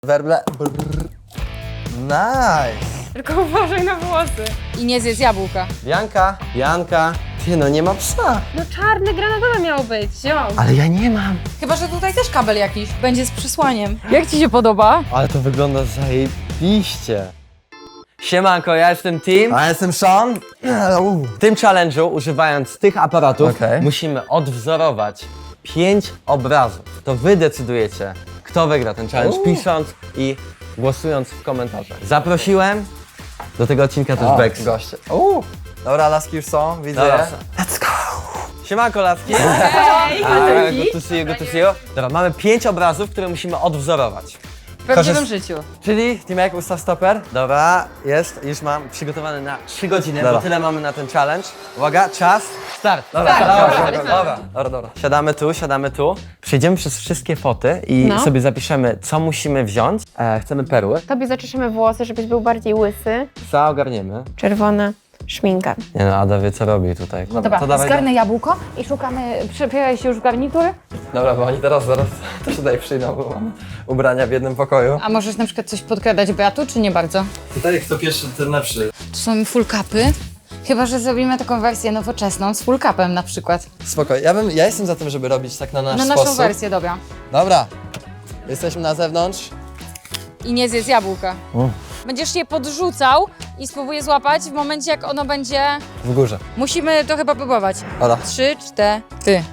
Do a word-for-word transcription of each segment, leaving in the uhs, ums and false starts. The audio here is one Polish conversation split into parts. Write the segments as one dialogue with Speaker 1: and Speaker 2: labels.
Speaker 1: Werble. Brrr. Nice.
Speaker 2: Tylko uważaj na włosy.
Speaker 3: I nie zjedz jabłka.
Speaker 1: Janka, Janka. Ty, no nie ma psa.
Speaker 2: No czarne granatowe miało być, ziom.
Speaker 1: Ale ja nie mam.
Speaker 3: Chyba, że tutaj też kabel jakiś będzie z przysłaniem. Jak ci się podoba?
Speaker 1: Ale to wygląda zajebiście. Siemanko, ja jestem Tim. A ja jestem Sean.
Speaker 4: W tym challenge'u, używając tych aparatów,
Speaker 1: Okej.
Speaker 4: musimy odwzorować pięć obrazów. To wy decydujecie, kto wygra ten challenge,
Speaker 1: Uuu.
Speaker 4: pisząc i głosując w komentarzach. Zaprosiłem do tego odcinka też Bex.
Speaker 1: Goście. Uuu. Dobra, laski już są, widzę
Speaker 4: Dobra.
Speaker 1: je. Let's go.
Speaker 4: Siemanko, laski.
Speaker 2: Hej,
Speaker 4: A, good to see you, good to see you. Dobra, mamy pięć obrazów, które musimy odwzorować.
Speaker 3: W prawdziwym
Speaker 1: Korzyst-
Speaker 3: życiu.
Speaker 4: Czyli, Timek, ustaw stoper.
Speaker 1: Dobra, jest, już mam.
Speaker 4: Przygotowany na trzy godziny,
Speaker 1: Dobra.
Speaker 4: bo tyle mamy na ten challenge. Uwaga, czas, start.
Speaker 1: Dobra,
Speaker 3: Tak,
Speaker 1: dobra,
Speaker 3: dobra,
Speaker 1: dobra, dobra, dobra, dobra.
Speaker 4: Siadamy tu, siadamy tu. Przejdziemy przez wszystkie foty i
Speaker 2: No.
Speaker 4: sobie zapiszemy, co musimy wziąć. E, chcemy perły.
Speaker 2: Tobie zaczeszemy włosy, żebyś był bardziej łysy.
Speaker 4: Co ogarniemy?
Speaker 2: Czerwona szminka.
Speaker 4: Nie no, Ada wie, co robi tutaj.
Speaker 3: Dobra,
Speaker 1: to dawaj,
Speaker 3: zgarnę jabłko i szukamy, przebieraj się już w garnitur.
Speaker 1: Dobra, bo oni teraz zaraz też tutaj przyjdą, bo mamy ubrania w jednym pokoju.
Speaker 3: A możesz na przykład coś podkradać Beatu, czy nie bardzo?
Speaker 1: Tutaj kto pierwszy, ten lepszy.
Speaker 3: Tu są full capy. Chyba, że zrobimy taką wersję nowoczesną z full capem na przykład.
Speaker 1: Spoko, ja, bym, ja jestem za tym, żeby robić tak na nasz
Speaker 3: Na
Speaker 1: sposób.
Speaker 3: naszą wersję, dobra.
Speaker 1: Dobra, jesteśmy na zewnątrz.
Speaker 3: I nie zjedz jabłka. Będziesz je podrzucał i spróbuję złapać w momencie, jak ono będzie...
Speaker 1: W górze.
Speaker 3: Musimy to chyba próbować.
Speaker 1: Dobra.
Speaker 3: Trzy, cztery.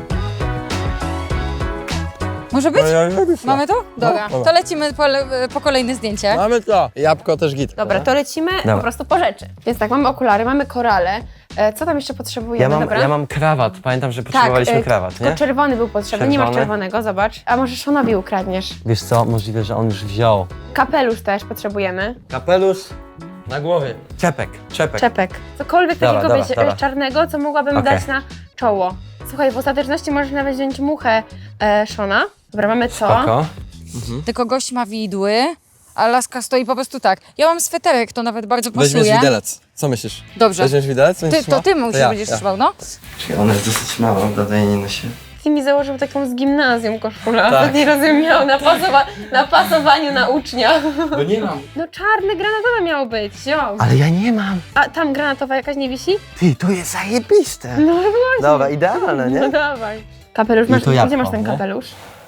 Speaker 3: Może być? Mamy to? Dobra.
Speaker 1: dobra.
Speaker 3: To lecimy po, le- po kolejne zdjęcie.
Speaker 1: Mamy to. Jabłko też git.
Speaker 2: Dobra, to lecimy
Speaker 4: Dobra.
Speaker 2: po prostu po rzeczy. Więc tak, mamy okulary, mamy korale. E, co tam jeszcze potrzebujemy?
Speaker 4: Ja mam,
Speaker 2: Dobra.
Speaker 4: ja mam krawat. Pamiętam, że potrzebowaliśmy
Speaker 2: e,
Speaker 4: krawat,
Speaker 2: tylko
Speaker 4: nie?
Speaker 2: czerwony był potrzebny, nie masz
Speaker 4: Czerwony?
Speaker 2: czerwonego, zobacz. A może Szonowi ukradniesz?
Speaker 4: Wiesz co, możliwe, że on już wziął.
Speaker 2: Kapelusz też potrzebujemy.
Speaker 4: Kapelusz na głowie. Czepek, czepek.
Speaker 2: Czepek. Cokolwiek
Speaker 4: Dobra,
Speaker 2: takiego
Speaker 4: dobra,
Speaker 2: wiesz,
Speaker 4: dobra.
Speaker 2: czarnego, co mogłabym
Speaker 4: Okej.
Speaker 2: dać na czoło. Słuchaj, w ostateczności możesz nawet wziąć muchę e, Szona. Dobra, mamy to.
Speaker 4: Spoko.
Speaker 3: Tylko gość ma widły, a laska stoi po prostu tak. Ja mam sweterek, to nawet bardzo pasuje.
Speaker 1: Weźmiesz widelec. Co myślisz?
Speaker 3: Dobrze.
Speaker 1: Weźmiesz widelec?
Speaker 3: Ty,
Speaker 1: Będziesz
Speaker 3: to
Speaker 1: trzymał?
Speaker 3: ty musisz
Speaker 1: ja,
Speaker 3: będziesz
Speaker 1: ja.
Speaker 3: trzymał, no.
Speaker 1: Czyli ona jest dosyć mała, prawda? Ja nie nosi.
Speaker 2: Ty mi założył taką z gimnazjum koszulę,
Speaker 1: Tak.
Speaker 2: a to nie rozumiem, miał na, pasowa- na pasowaniu na ucznia.
Speaker 1: Bo nie mam.
Speaker 2: No czarne granatowe miało być, ziom.
Speaker 4: Ale ja nie mam.
Speaker 2: A tam granatowa jakaś nie wisi?
Speaker 4: Ty, to jest zajebiste.
Speaker 2: No właśnie.
Speaker 4: Dobra, idealne,
Speaker 2: No
Speaker 4: nie?
Speaker 2: dawaj. Kapelusz,
Speaker 4: I
Speaker 2: masz,
Speaker 4: to
Speaker 2: gdzie
Speaker 4: jabłko,
Speaker 2: masz ten
Speaker 4: nie?
Speaker 2: kapelusz?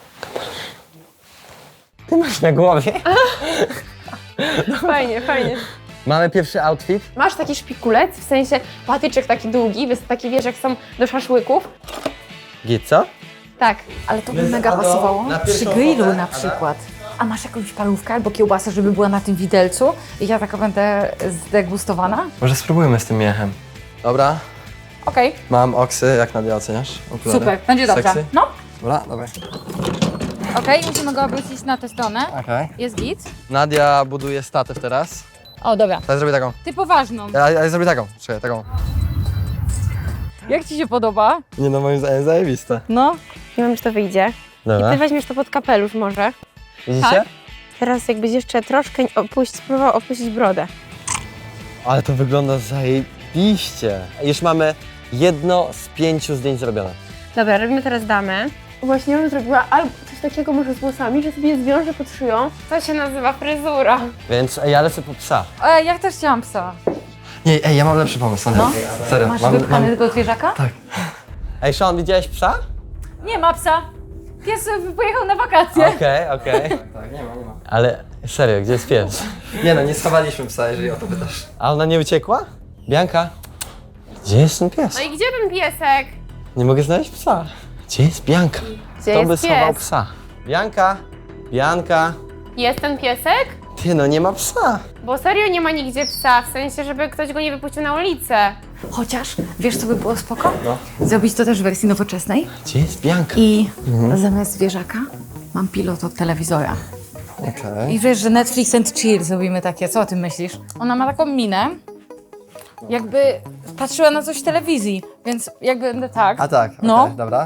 Speaker 4: Ty masz na głowie.
Speaker 2: Fajnie, fajnie.
Speaker 4: Mamy pierwszy outfit.
Speaker 2: Masz taki szpikulec, w sensie patyczek taki długi, jest taki wiesz jak są do szaszłyków.
Speaker 4: Git, co?
Speaker 2: Tak.
Speaker 3: Ale to by
Speaker 1: Więc
Speaker 3: mega
Speaker 1: Ado,
Speaker 3: pasowało
Speaker 1: na
Speaker 3: przy
Speaker 1: pierwszą
Speaker 3: grillu
Speaker 1: fotę,
Speaker 3: na
Speaker 1: Ada?
Speaker 3: przykład. A masz jakąś parówkę albo kiełbasę, żeby była na tym widelcu i ja taka będę zdegustowana?
Speaker 1: Może spróbujmy z tym miechem. Dobra,
Speaker 3: Okej,
Speaker 1: mam oksy, jak Nadia oceniasz? Okulary.
Speaker 3: super, będzie dobrze.
Speaker 1: Sexy?
Speaker 3: No,
Speaker 1: Dobra, dawaj.
Speaker 3: okej, musimy go obrócić na tę stronę.
Speaker 1: Okej.
Speaker 3: Jest git.
Speaker 1: Nadia buduje statyw teraz.
Speaker 3: O, dobra.
Speaker 1: Ja zrobię taką.
Speaker 3: Ty poważną.
Speaker 1: Ja, ja zrobię taką. Czekaj, taką.
Speaker 3: Jak ci się podoba?
Speaker 1: Nie no, moim zdaniem zajebiste.
Speaker 3: No.
Speaker 2: Nie wiem, czy to wyjdzie. I
Speaker 4: Dobra.
Speaker 2: ty weźmiesz to pod kapelusz może.
Speaker 4: Widzicie?
Speaker 3: Tak?
Speaker 2: Teraz jakbyś jeszcze troszkę opuść, spróbował opuścić brodę.
Speaker 4: Ale to wygląda zajebiście. Już mamy jedno z pięciu zdjęć zrobione.
Speaker 2: Dobra, robimy teraz damę. Właśnie bym zrobiła albo coś takiego może z włosami, że sobie je zwiążę pod szyją. To się nazywa fryzura.
Speaker 4: Więc ja lecę po psa.
Speaker 3: E, ja też chciałam psa.
Speaker 1: Nie, ej, ja mam lepszy pomysł, Nadia.
Speaker 3: No.
Speaker 1: Serio,
Speaker 3: Masz
Speaker 1: mam,
Speaker 3: wypchany
Speaker 1: mam...
Speaker 3: tego zwierzaka?
Speaker 1: Tak.
Speaker 4: Ej, Sean, widziałeś psa?
Speaker 3: Nie ma psa. Pies pojechał na wakacje.
Speaker 4: Okej, okej.
Speaker 1: Tak, nie ma, nie ma.
Speaker 4: Ale serio, gdzie jest pies?
Speaker 1: Nie no, nie schowaliśmy psa, jeżeli o to pytasz.
Speaker 4: A ona nie uciekła? Bianka? Gdzie jest ten pies?
Speaker 2: No i gdzie ten piesek?
Speaker 4: Nie mogę znaleźć psa. Gdzie jest Bianka?
Speaker 2: Gdzie
Speaker 4: Kto by
Speaker 2: jest
Speaker 4: schował
Speaker 2: pies?
Speaker 4: psa? Bianka? Bianka?
Speaker 2: Jest ten piesek?
Speaker 4: Ty, no nie ma psa.
Speaker 2: Bo serio nie ma nigdzie psa, w sensie, żeby ktoś go nie wypuścił na ulicę.
Speaker 3: Chociaż, wiesz co by było spoko?
Speaker 4: No.
Speaker 3: Zrobić to też w wersji nowoczesnej.
Speaker 4: Gdzie jest Bianka?
Speaker 3: I zamiast zwierzaka mam pilot od telewizora.
Speaker 1: Okej.
Speaker 3: I wiesz, że Netflix and chill zrobimy takie. Co o tym myślisz? Ona ma taką minę, jakby patrzyła na coś w telewizji, więc jakby będę tak.
Speaker 1: A tak, okej,
Speaker 3: No.
Speaker 1: dobra.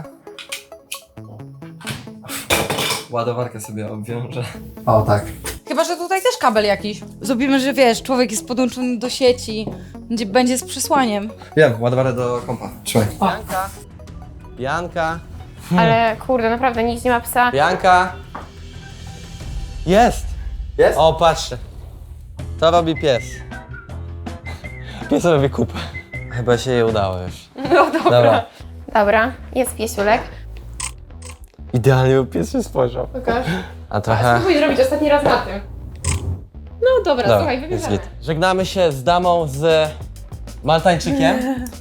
Speaker 1: Ładowarkę sobie obwiążę. O, tak.
Speaker 3: Chyba, że tutaj też kabel jakiś. Zrobimy, że wiesz, człowiek jest podłączony do sieci, będzie, będzie z przysłaniem.
Speaker 1: Wiem, ładowarkę do kompa. Trzymaj.
Speaker 4: Bianka? Bianka?
Speaker 2: Ale kurde, naprawdę nikt nie ma psa.
Speaker 4: Bianka? Jest!
Speaker 1: Jest?
Speaker 4: O, patrzcie. To robi pies. Pies robi kupę. Chyba się jej udało już.
Speaker 2: No dobra.
Speaker 4: Dobra.
Speaker 2: Dobra, jest piesiulek.
Speaker 4: Idealnie, bo pies się spojrzał.
Speaker 2: Pokaż.
Speaker 4: A trochę...
Speaker 2: Spróbuj zrobić ostatni raz na tym. No dobra,
Speaker 4: Dobra,
Speaker 2: słuchaj,
Speaker 4: jest
Speaker 2: wybieramy.
Speaker 4: git. Żegnamy się z damą z Maltańczykiem.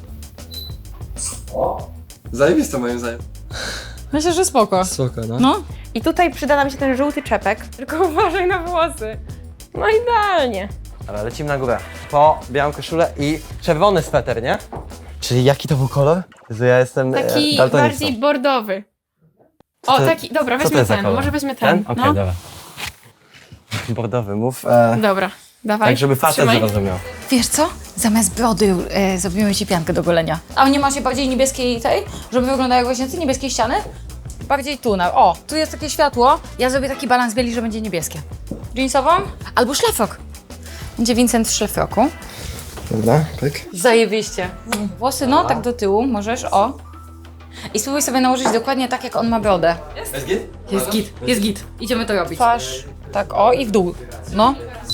Speaker 1: Zajebiste moim zdaniem.
Speaker 3: Myślę, że spoko.
Speaker 4: Spoko, no.
Speaker 3: No.
Speaker 2: I tutaj przyda nam się ten żółty czepek, tylko uważaj na włosy. No idealnie.
Speaker 4: Dobra, lecimy na górę. Po białą koszulę i czerwony sweter, nie? Czyli jaki to był kolor? Jezu, ja jestem e,
Speaker 2: Taki
Speaker 4: daltonistą.
Speaker 2: bardziej bordowy. O,
Speaker 4: to-
Speaker 2: taki, dobra,
Speaker 4: Co to
Speaker 2: weźmy
Speaker 4: jest za
Speaker 2: ten,
Speaker 4: kolor?
Speaker 2: może weźmy ten.
Speaker 4: Okej,
Speaker 2: no.
Speaker 4: dobra. Bordowy, mów. E,
Speaker 2: Dobra, dawaj.
Speaker 4: tak, żeby facet
Speaker 2: Trzymaj.
Speaker 4: zrozumiał.
Speaker 3: Wiesz co? Zamiast brody e, zrobimy ci piankę do golenia. A nie ma się bardziej niebieskiej tej, żeby wyglądały jak właśnie te niebieskie ściany? Bardziej tu na. O, tu jest takie światło. Ja zrobię taki balans bieli, że będzie niebieskie. Jeansową? Albo szlafrok. Będzie Vincent w szlafroku.
Speaker 1: Dobra, pyk.
Speaker 3: Zajebiście. Włosy, no, tak do tyłu możesz, o. I spróbuj sobie nałożyć dokładnie tak, jak on ma brodę.
Speaker 4: Jest git?
Speaker 3: Jest git, jest git. Idziemy to robić. Twarz, tak, o, i w dół. No.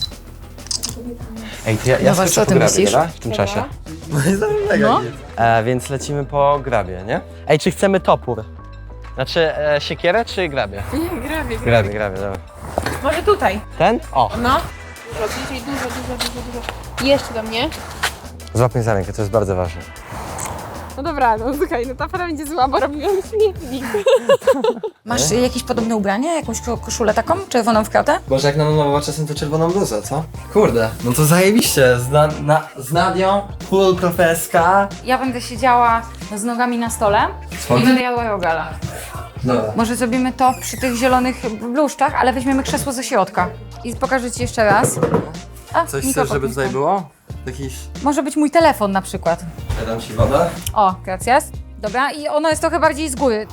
Speaker 4: Ej, to ja, ja
Speaker 3: Dobra,
Speaker 4: skoczę
Speaker 3: co
Speaker 4: po
Speaker 3: ty
Speaker 4: grabie,
Speaker 3: myślisz?
Speaker 4: dobra? W tym czasie.
Speaker 3: No.
Speaker 4: E, więc lecimy po grabie, nie? Ej, czy chcemy topór? Znaczy e, siekierę czy grabie?
Speaker 2: Nie, grawie.
Speaker 4: Grabie, grabie, dobra.
Speaker 2: Może tutaj.
Speaker 4: Ten? O,
Speaker 2: No. Dużo, bliżej, dużo, dużo, dużo, dużo. I jeszcze do mnie.
Speaker 4: złap mnie za rękę, to jest bardzo ważne.
Speaker 2: No dobra, no słuchaj, no ta para będzie zła, bo robiłam śmietnik.
Speaker 3: Masz y, jakieś podobne ubranie? Jakąś ko- koszulę taką? Czerwoną w kratę?
Speaker 1: Może jak na nowo czasem to czerwoną bluzę, co? Kurde, no to zajebiście. Z, na, na, z Nadią, full profeska.
Speaker 3: Ja będę siedziała z nogami na stole i będę jadła jogala.
Speaker 1: Dobra.
Speaker 3: Może zrobimy to przy tych zielonych bluszczach, ale weźmiemy krzesło ze środka. I pokażę ci jeszcze raz. A,
Speaker 1: Coś
Speaker 3: mikrofon
Speaker 1: chcesz, żeby
Speaker 3: jest
Speaker 1: tutaj
Speaker 3: tam.
Speaker 1: było? Jakiś...
Speaker 3: Może być mój telefon na przykład.
Speaker 1: Ja dam ci wodę.
Speaker 3: O, gracias. Dobra, i ono jest trochę bardziej z góry.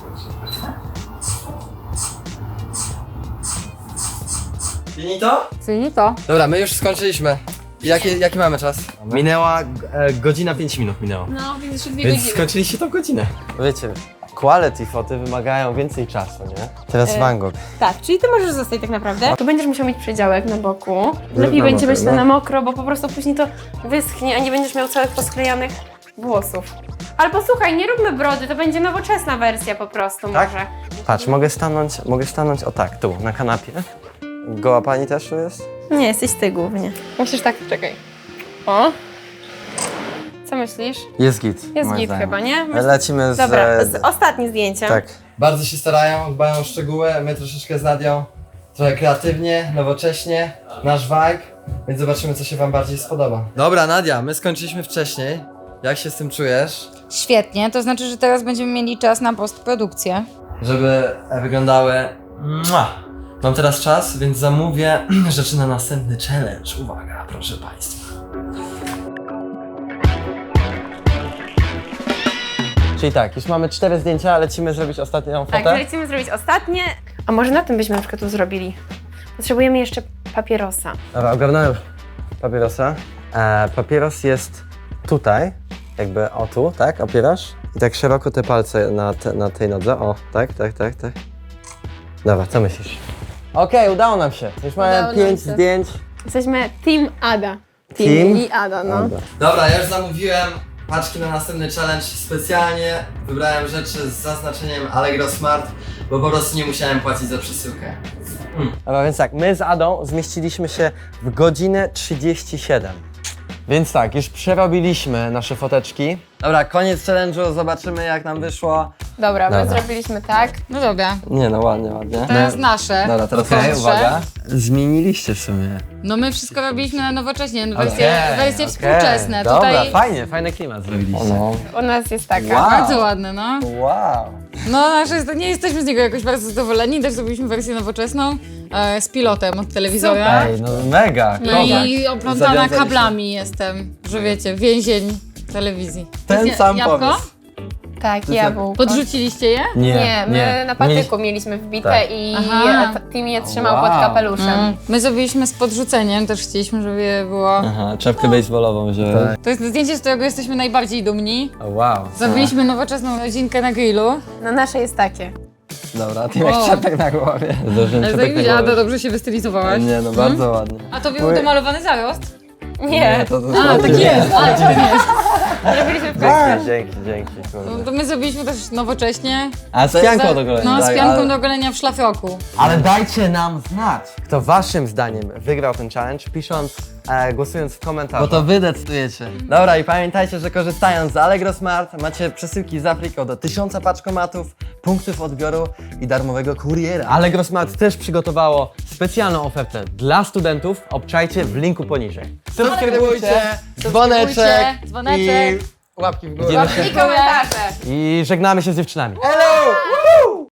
Speaker 1: Finito?
Speaker 3: Finito.
Speaker 1: Dobra, my już skończyliśmy. Jaki, jaki mamy czas? Minęła e, godzina pięć minut minęło.
Speaker 2: No, więc jeszcze dwie
Speaker 1: Więc
Speaker 2: godziny.
Speaker 1: skończyliście tą godzinę.
Speaker 4: Wiecie, quality foty wymagają więcej czasu, nie? Teraz
Speaker 2: E,
Speaker 4: Van Gogh.
Speaker 2: Tak, czyli ty możesz zostać tak naprawdę. Tu będziesz musiał mieć przedziałek na boku. Lepiej
Speaker 1: na
Speaker 2: będzie
Speaker 1: mokro,
Speaker 2: być to
Speaker 1: no.
Speaker 2: na mokro, bo po prostu później to wyschnie, a nie będziesz miał całych posklejanych włosów. Albo słuchaj, nie róbmy brody, to będzie nowoczesna wersja po prostu
Speaker 4: Tak?
Speaker 2: może.
Speaker 4: Patrz, mogę stanąć, mogę stanąć o tak, tu, na kanapie. Goła pani też tu jest?
Speaker 2: Nie, jesteś ty głównie. Musisz tak, czekaj. O. Co myślisz?
Speaker 4: Jest git.
Speaker 2: Jest
Speaker 4: moim
Speaker 2: git
Speaker 4: zdaniem.
Speaker 2: chyba, nie? Myśl-
Speaker 4: Lecimy z...
Speaker 2: Dobra, z, ostatnie zdjęcie.
Speaker 4: Tak.
Speaker 1: Bardzo się starają, dbają o szczegóły, my troszeczkę z Nadią. Trochę kreatywnie, nowocześnie, nasz vibe, więc zobaczymy, co się wam bardziej spodoba. Dobra, Nadia, my skończyliśmy wcześniej. Jak się z tym czujesz?
Speaker 3: Świetnie, to znaczy, że teraz będziemy mieli czas na postprodukcję.
Speaker 1: Żeby wyglądały... Mua. Mam teraz czas, więc zamówię rzeczy na następny challenge. Uwaga, proszę państwa.
Speaker 4: Czyli tak, już mamy cztery zdjęcia, lecimy zrobić ostatnią
Speaker 2: Tak,
Speaker 4: fotę.
Speaker 2: lecimy zrobić ostatnie. A może na tym byśmy na przykład tu zrobili? Potrzebujemy jeszcze papierosa.
Speaker 4: Dobra, ogarnąłem papierosa. E, papieros jest tutaj, jakby o tu, tak? Opierasz? I tak szeroko te palce na, te, na tej nodze. O, tak, tak, tak, tak. Dobra, co myślisz? Okej, udało nam się. Już
Speaker 2: Udało
Speaker 4: mamy
Speaker 2: nam
Speaker 4: pięć
Speaker 2: się.
Speaker 4: zdjęć.
Speaker 2: Jesteśmy Team Ada. Team,
Speaker 4: Team?
Speaker 2: i Ada, no.
Speaker 4: Dobra.
Speaker 1: Dobra, ja już zamówiłem paczki na następny challenge specjalnie. Wybrałem rzeczy z zaznaczeniem Allegro Smart, bo po prostu nie musiałem płacić za przesyłkę.
Speaker 4: Dobra, więc tak, my z Adą zmieściliśmy się w godzinę trzydzieści siedem. Więc tak, już przerobiliśmy nasze foteczki. Dobra, koniec challenge'u, zobaczymy jak nam wyszło.
Speaker 2: Dobra, my
Speaker 4: Dobra.
Speaker 2: zrobiliśmy tak.
Speaker 3: No dobra,
Speaker 4: Nie no, ładnie, ładnie.
Speaker 3: teraz nasze.
Speaker 1: Dobra, teraz
Speaker 3: Proszę.
Speaker 4: Okej, uwaga. Zmieniliście w sumie.
Speaker 3: No my wszystko robiliśmy na nowocześnie, wersje,
Speaker 4: Okej,
Speaker 3: wersje
Speaker 4: okej.
Speaker 3: współczesne.
Speaker 4: Dobra,
Speaker 3: Tutaj
Speaker 4: fajnie, fajny klimat zrobiliście.
Speaker 1: No.
Speaker 2: U nas jest taka.
Speaker 4: Wow.
Speaker 3: bardzo ładne, no.
Speaker 4: Wow.
Speaker 3: No nasze, jest- nie jesteśmy z niego jakoś bardzo zadowoleni, też zrobiliśmy wersję nowoczesną e, z pilotem od telewizora.
Speaker 4: Ej, no mega,
Speaker 3: No
Speaker 4: kozak.
Speaker 3: i oplątana
Speaker 1: Zawiązaliśmy.
Speaker 3: kablami jestem, że wiecie, więzień telewizji.
Speaker 1: Ten
Speaker 3: Ja-
Speaker 1: sam
Speaker 3: jabłko?
Speaker 1: pomysł.
Speaker 2: Tak, jabłko.
Speaker 3: Podrzuciliście je?
Speaker 2: Nie, my na patyku mieliśmy wbite
Speaker 4: Tak.
Speaker 2: i
Speaker 3: Aha.
Speaker 2: t- Tim je trzymał
Speaker 4: Wow.
Speaker 2: pod kapeluszem.
Speaker 3: Mm. My zrobiliśmy z podrzuceniem, też chcieliśmy, żeby było...
Speaker 4: Aha, czapkę baseballową wziąłem.
Speaker 3: To jest zdjęcie, z którego jesteśmy najbardziej dumni.
Speaker 4: O, wow.
Speaker 3: Zrobiliśmy nowoczesną rodzinkę na grillu.
Speaker 2: No nasze jest takie.
Speaker 1: Dobra, ty jak czapek na głowie.
Speaker 4: Zdążyłem
Speaker 3: Ale
Speaker 4: czepek na
Speaker 3: zajebiście, a to
Speaker 4: głowę.
Speaker 3: dobrze się wystylizowałaś.
Speaker 1: Nie no, bardzo ładnie.
Speaker 3: A to był domalowany zarost?
Speaker 2: Nie,
Speaker 1: to, to
Speaker 3: A, tak jest. A, czyli nie jest.
Speaker 2: robiliśmy w
Speaker 4: Dzięki, dzięki, dzięki.
Speaker 3: No
Speaker 4: Kurde.
Speaker 3: to my zrobiliśmy też nowocześnie.
Speaker 4: A z pianką do golenia.
Speaker 3: No, z
Speaker 1: tak,
Speaker 3: pianką
Speaker 1: ale-
Speaker 3: do golenia w szlafroku.
Speaker 4: Ale dajcie nam znać, kto waszym zdaniem wygrał ten challenge, pisząc, e, głosując w komentarzu.
Speaker 1: Bo to wy decydujecie. Dobra i pamiętajcie, że korzystając z Allegro Smart macie przesyłki z Afriką do tysiąca paczkomatów, punktów odbioru i darmowego kuriera.
Speaker 4: Allegro Smart też przygotowało specjalną ofertę dla studentów. Obczajcie w linku poniżej.
Speaker 1: Subskrybujcie, dzwoneczek
Speaker 3: dzwoneczek.
Speaker 1: i łapki w górę.
Speaker 4: Widzimy się
Speaker 2: I komentarze.
Speaker 4: i żegnamy się z dziewczynami.
Speaker 1: Hello! Woo!